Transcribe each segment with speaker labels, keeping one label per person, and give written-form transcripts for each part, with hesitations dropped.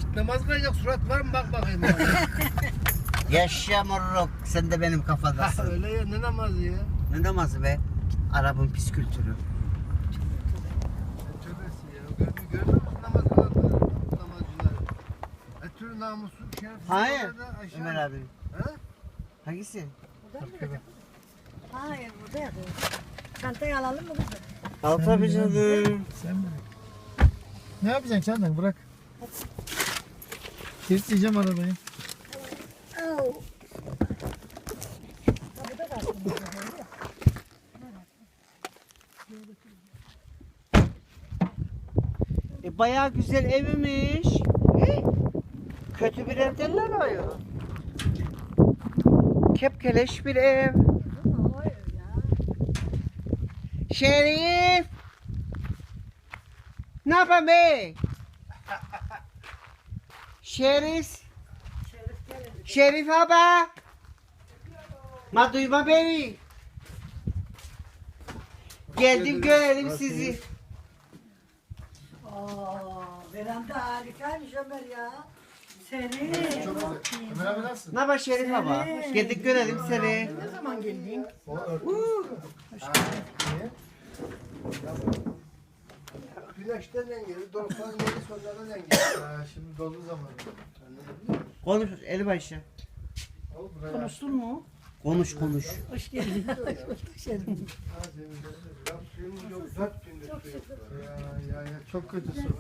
Speaker 1: Hiç namaz kılacak surat var mı bak bakayım.
Speaker 2: Yaşa moruk. Sen de benim kafadasın.
Speaker 1: Öyle ya ne namazı ya?
Speaker 2: Ne namazı be? Arap'ın pis kültürü.
Speaker 1: Tövbesi ya. Görmüyor musun namaz kılanları, namazcıları? Türü namusu, şerefsiz.
Speaker 2: Hayır.
Speaker 1: orada aşağı-
Speaker 2: Ömer abi.
Speaker 1: Ha?
Speaker 2: Hangisi?
Speaker 3: Hayır burada yapıyor. Çantayı alalım mı kızım?
Speaker 2: Al tabii canım.
Speaker 1: Sen mi? Ne yapacaksın çantanı bırak. Kilitleyeceğim arabayı.
Speaker 3: Oh. Kapıda kalsın.
Speaker 2: Bayağı güzel evmiş. Kötü bir ev derler ayol. Kepkeleş bir ev.
Speaker 3: Hayır ya.
Speaker 2: Şerif! Ne yapayım be? Şerif!
Speaker 3: Şerif gelin.
Speaker 2: Şerif abi! Ma duyma beni. Geldim görelim sizi.
Speaker 3: Veranda harikaymış Ömer ya. Senin.
Speaker 1: Ömer abi nasılsın?
Speaker 2: Ne haber Şerif abi? Geldik görelim seni.
Speaker 3: Ne zaman geldin?
Speaker 1: Güneşten engeli, dolpan engeli, sonradan engeli. Şimdi dolu zamanı.
Speaker 2: Konuş eli başı.
Speaker 3: Konuştun mu?
Speaker 2: Konuş konuş.
Speaker 3: Hoş geldin. Şerif.
Speaker 1: Suyumuz yok, 4 gündür su yok. Ya, çok kötü su.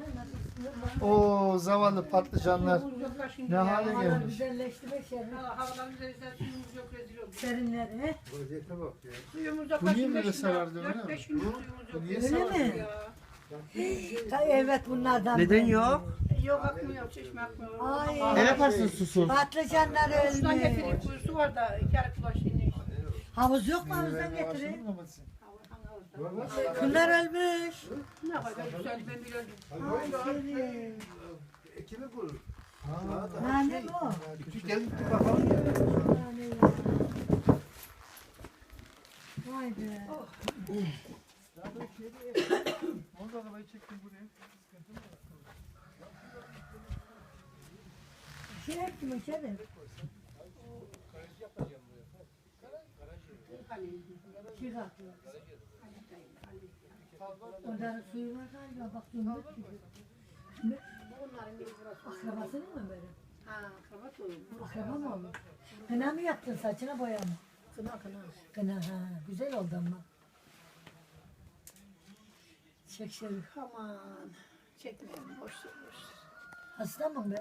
Speaker 1: Oo zavallı patlıcanlar ne hale gelmiş.
Speaker 3: Güzelleşti be Şerif.
Speaker 4: Havaların üzerinden suyumuz yok rezil olduk.
Speaker 3: Serinledi he?
Speaker 1: Vaziyete bak ya.
Speaker 4: Suyumuz yok.
Speaker 1: Bu niye böyle sarardı öyle mi?
Speaker 4: 4-5 gündür suyumuz yok.
Speaker 1: Niye
Speaker 3: Öyle
Speaker 1: sarardı?
Speaker 3: mi?
Speaker 4: Ya.
Speaker 3: Evet bunlardan.
Speaker 2: Neden
Speaker 3: biri.
Speaker 2: yok?
Speaker 4: Yok akmıyor, çeşme akmıyor.
Speaker 3: Ay.
Speaker 2: Ne yaparsın susuz?
Speaker 3: Patlıcanlar
Speaker 4: Şuradan
Speaker 3: ölmüş.
Speaker 4: getirip kuyusu var da 2 ay kulaş yine.
Speaker 3: Havuz yok mu havuzdan getirin?
Speaker 4: Havuzdan.
Speaker 3: Bunlar ölmüş.
Speaker 4: Ne kadar güzel ben bile öldüm.
Speaker 3: Ay Şerif.
Speaker 1: Ekimi kurur.
Speaker 3: Nane mi o?
Speaker 1: Küçük gelip bir bakalım.
Speaker 3: Nane ya. Vay be.
Speaker 1: Onu da arabayı çektim buraya.
Speaker 3: Şey yaptım Şerif. Şey atıyor. Onların suyu var galiba bak döndük gibi.
Speaker 4: Bunların biri burası.
Speaker 3: Akrabasının mı böyle?
Speaker 4: Ha, kravat oluyor.
Speaker 3: Akraba mı oldu? Kına mı yaptın saçına boya mı?
Speaker 4: Kına kına.
Speaker 3: Kına ha güzel oldu ama. Çek Şerif.
Speaker 4: Aman. Çekmeyelim, boş ver, boş ver.
Speaker 3: Hasta mı be?